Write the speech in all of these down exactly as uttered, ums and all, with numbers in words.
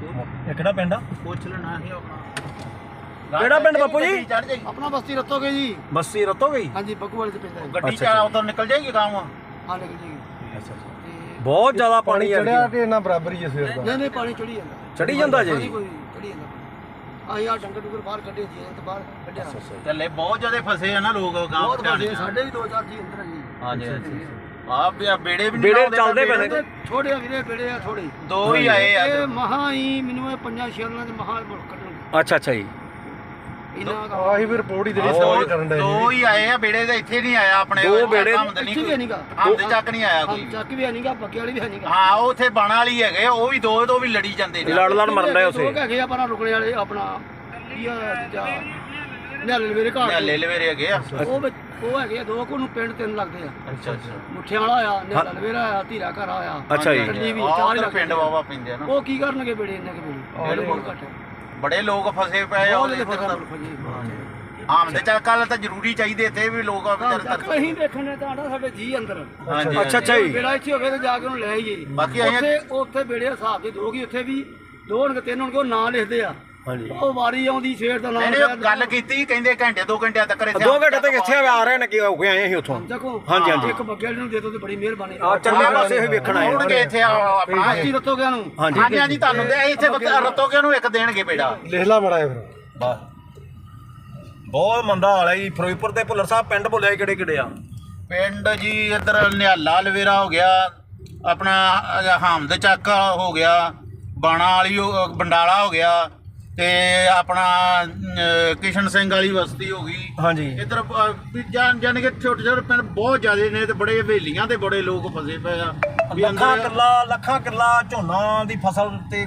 ਇਹ ਕਿਹੜਾ ਪਿੰਡ ਆ? ਪੁੱਛ ਲੈਣਾ ਸੀ ਆਪਣਾ ਕਿਹੜਾ ਪਿੰਡ ਬਾਪੂ ਜੀ? ਆਪਣਾ ਬਸਤੀ ਰਤੋਗੇ ਜੀ। ਬੱਸੀ ਰਤੋਗੇ? ਹਾਂਜੀ ਬੱਗੂ ਵਾਲੇ ਦੇ ਪਿੰਡ ਹੈ। ਗੱਡੀ ਚ ਉਧਰ ਨਿਕਲ ਜਾਏਗੀ ਗਾਂਵ। ਹਾਂ ਨਿਕਲ ਜਾਏਗੀ। ਅੱਛਾ ਅੱਛਾ। ਬਹੁਤ ਜ਼ਿਆਦਾ ਪਾਣੀ ਆ ਚੜਿਆ ਤੇ ਇਹਨਾਂ ਬਰਾਬਰ ਹੀ ਸਵੇਰ ਦਾ। ਨਹੀਂ ਨਹੀਂ ਪਾਣੀ ਚੜੀ ਜਾਂਦਾ। ਚੜੀ ਜਾਂਦਾ ਜੀ? ਚੜੀ ਜਾਂਦਾ। ਆ ਯਾਰ ਡੰਗਰ ਡੁੰਗਰ ਬਾਹਰ ਕੱਢੇ ਜੀ ਤੇ ਬਾਹਰ ਕੱਢਿਆ। ਚੱਲੇ ਬਹੁਤ ਜ਼ਿਆਦਾ ਫਸੇ ਆ ਨਾ ਲੋਕ ਗਾਂਵ ਬਹੁਤ ਵੱਡੇ ਸਾਡੇ ਵੀ ਦੋ ਚਾਰ ਜੀ ਅੰਦਰ ਜੀ। ਹਾਂਜੀ ਆ ਬੇੜੇ ਵੀ ਬੇੜੇ ਚੱਲਦੇ ਪਏ ਨੇ। ਥੋੜੇ ਵੀਰੇ ਬੇੜੇ ਆ ਥੋੜੇ। ਦੋ ਹੀ ਆਏ ਆ। ਇਹ ਮਹਾ ਹੀ ਮੈਨੂੰ ਇਹ ਪੰਜਾਂ ਛੇਲਾਂ ਦੇ ਮਹਾ ਕੱਢਣਗੇ। ਅੱਛਾ ਅੱਛਾ ਜੀ। ਆਹੀ ਵੀ ਰਿਪੋਰਟ ਹੀ ਜਿਹੜੀ ਸਟੋਰੀ ਕਰਨ ਦੇ ਦੋ ਹੀ ਆਏ ਆ ਬੇੜੇ ਦੇ ਇੱਥੇ ਨਹੀਂ ਆਇਆ ਆਪਣੇ ਦੋ ਬੇੜੇ ਇੱਥੇ ਵੀ ਨਹੀਂਗਾ। ਹਮਦ ਚੱਕ ਨਹੀਂ ਆਇਆ ਕੋਈ। ਚੱਕ ਵੀ ਨਹੀਂਗਾ ਬੱਕੇ ਵਾਲੀ ਵੀ ਨਹੀਂਗਾ। ਹਾਂ ਉਹ ਉੱਥੇ ਬਾਣਾ ਵਾਲੀ ਹੈਗੇ ਉਹ ਵੀ ਦੋ ਦੋ ਵੀ ਲੜੀ ਜਾਂਦੇ ਨੇ। ਲੜ ਲੜ ਮਰਨ ਰਹੇ ਉਸੇ। ਲੋਕ ਹੈਗੇ ਆ ਪਰ ਰੁਕਣੇ ਵਾਲੇ ਆਪਣਾ ਕੀ ਆ ਜਾਂ ਨਿਆਲੇ ਲਵੇਰੇ ਘਾਟ ਨਿਆਲੇ ਲਵੇਰੇ ਹੈਗੇ ਆ। ਉਹ ਵਿੱਚ ਉਹ ਹੈਗੇ ਆ ਦੋ ਕੋ ਨੂੰ ਪਿੰਡ ਤਿੰਨ ਲੱਗਦੇ ਆ। ਅੱਛਾ ਅੱਛਾ। ਮੁੱਠਿਆਂ ਵਾਲਾ ਆਇਆ ਨਿਆਲਾ ਲਵੇਰਾ ਆਇਆ ਧੀਰਾ ਘਰ ਆਇਆ। ਅੱਛਾ ਜੀ। ਟੱਲੀ ਵੀ ਚਾਰ ਹੀ ਪਿੰਡ ਵਾਵਾ ਪੈਂਦੇ ਆ ਨਾ। ਉਹ ਕੀ ਕਰਨਗੇ ਬੇੜੇ ਇੰਨੇ ਕੇ ਬੇੜੇ ਬਹੁਤ ਘੱਟ ਬੜੇ ਲੋਕ ਫਸੇ ਪਏ ਆ ਉਹਦੇ ਹਮਦ ਚੱਕ ਵਾਲਾ ਤਾਂ ਜ਼ਰੂਰੀ ਚਾਹੀਦੇ ਇੱਥੇ ਵੀ ਲੋਕ ਅਸੀਂ ਦੇਖਣੇ ਤਾਂ ਆਂਦਾ ਸਾਡੇ ਜੀ ਅੰਦਰ। ਅੱਛਾ ਅੱਛਾ ਜੀ। ਬੇੜਾ ਇੱਥੇ ਹੋਵੇ ਤੇ ਜਾ ਕੇ ਉਹਨੂੰ ਲੈ ਆਈਏ। ਬਾਕੀ ਅਸੀਂ ਉੱਥੇ ਉੱਥੇ ਬੇੜੇ ਹਿਸਾਬ ਦੇ ਦੋਗੀ ਉੱਥੇ ਵੀ ਦੋ ਹੋਣਗੇ ਤਿੰਨ ਹੋਣਗੇ ਉਹ ਨਾਂ ਲਿਖਦੇ ਆ। ਹਾਂਜੀ। ਉਹ ਵਾਰੀ ਆਉਂਦੀ ਸ਼ੇਰ ਦਾ ਨਾਮ ਇਹਨੇ ਗੱਲ ਕੀਤੀ ਕਹਿੰਦੇ ਘੰਟੇ ਦੋ ਘੰਟਿਆਂ ਤੱਕ ਇੱਥੇ ਦੋ ਘੰਟੇ ਤੱਕ ਇੱਥੇ ਆ ਰਹੇ ਨੇ ਕਿ ਹੋ ਕੇ ਆਏ ਅਸੀਂ ਉੱਥੋਂ। ਦੇਖੋ ਹਾਂਜੀ ਹਾਂਜੀ। ਇੱਕ ਬੱਗੇ ਨੂੰ ਦੇ ਦੋ ਤੇ ਬੜੀ ਮਿਹਰਬਾਨੀ। ਆ ਚੱਲੇ ਪਾਸੇ ਇਹ ਵੇਖਣ ਆਏ ਆਉਣਗੇ ਇੱਥੇ ਆਪਣਾ ਬਸਤੀ ਰਤੋਗਿਆਂ ਨੂੰ। ਹਾਂਜੀ ਹਾਂਜੀ ਹਾਂਜੀ ਤੁਹਾਨੂੰ ਦੇ ਇੱਥੇ ਰਤੋਗੇ ਨੂੰ ਇੱਕ ਦੇਣਗੇ ਬੇੜਾ। ਲਿਖ ਲਾ ਮੜਾ ਫਿਰ। ਬਸ ਬਹੁਤ ਮੰਦਾ ਹਾਲ ਹੈ ਜੀ। ਫਿਰੋਜ਼ਪੁਰ ਤੇ ਭੁੱਲਰ ਸਾਹਿਬ ਪਿੰਡ ਭੁੱਲਿਆ ਕਿਹੜੇ ਕਿਹੜੇ ਆ? ਪਿੰਡ ਜੀ ਇੱਧਰ ਨਿਹਾਲਾ ਲਵੇਰਾ ਹੋ ਗਿਆ ਆਪਣਾ ਹਮਦ ਚੱਕ ਹੋ ਗਿਆ ਬਾਣਾ ਵਾਲੀ ਬੰਡਾਲਾ ਹੋ ਗਿਆ ਤੇ ਆਪਣਾ ਕਿਸ਼ਨ ਸਿੰਘ ਵਾਲੀ ਬਸਤੀ ਹੋ ਗਈ। ਹਾਂਜੀ। ਇੱਧਰ ਜਾਨ ਜਾਨ ਕੇ ਛੋਟੇ ਛੋਟੇ ਪਿੰਡ ਬਹੁਤ ਜ਼ਿਆਦੇ ਨੇ ਤੇ ਬੜੇ ਹਵੇਲੀਆਂ ਤੇ ਬੜੇ ਲੋਕ ਫਸੇ ਪਏ ਆ। ਲੱਖਾਂ ਕਿੱਲਾ ਲੱਖਾਂ ਕਿੱਲਾ ਝੋਨਾ ਦੀ ਫਸਲ ਤੇ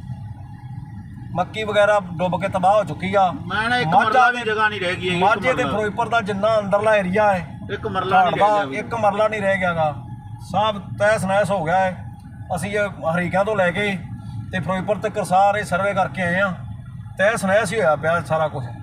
ਮੱਕੀ ਵਗੈਰਾ ਡੁੱਬ ਕੇ ਤਬਾਹ ਹੋ ਚੁੱਕੀ ਆ। ਮੈਂ ਨਾ ਇੱਕ ਮਰਲਾ ਵੀ ਜਗ੍ਹਾ ਨਹੀਂ ਰਹਿ ਗਈ। ਮਾਝੇ ਤੇ ਫਿਰੋਜ਼ਪੁਰ ਦਾ ਜਿੰਨਾ ਅੰਦਰਲਾ ਏਰੀਆ ਹੈ ਇੱਕ ਮਰਲਾ ਨਹੀਂ ਰਹਿ ਗਿਆ। ਇੱਕ ਮਰਲਾ ਨਹੀਂ ਰਹਿ ਗਿਆਗਾ। ਸਭ ਤਹਿਸ ਨਹਿਸ ਹੋ ਗਿਆ ਹੈ। ਅਸੀਂ ਹਰੀਕਿਆਂ ਤੋਂ ਲੈ ਕੇ ਤੇ ਫਿਰੋਜ਼ਪੁਰ ਤੱਕ ਸਾਰੇ ਸਰਵੇ ਕਰਕੇ ਆਏ ਆ। ਤਹਿਸ ਨਹਿਸ ਹੀ ਹੋਇਆ ਪਿਆ ਸਾਰਾ ਕੁਝ।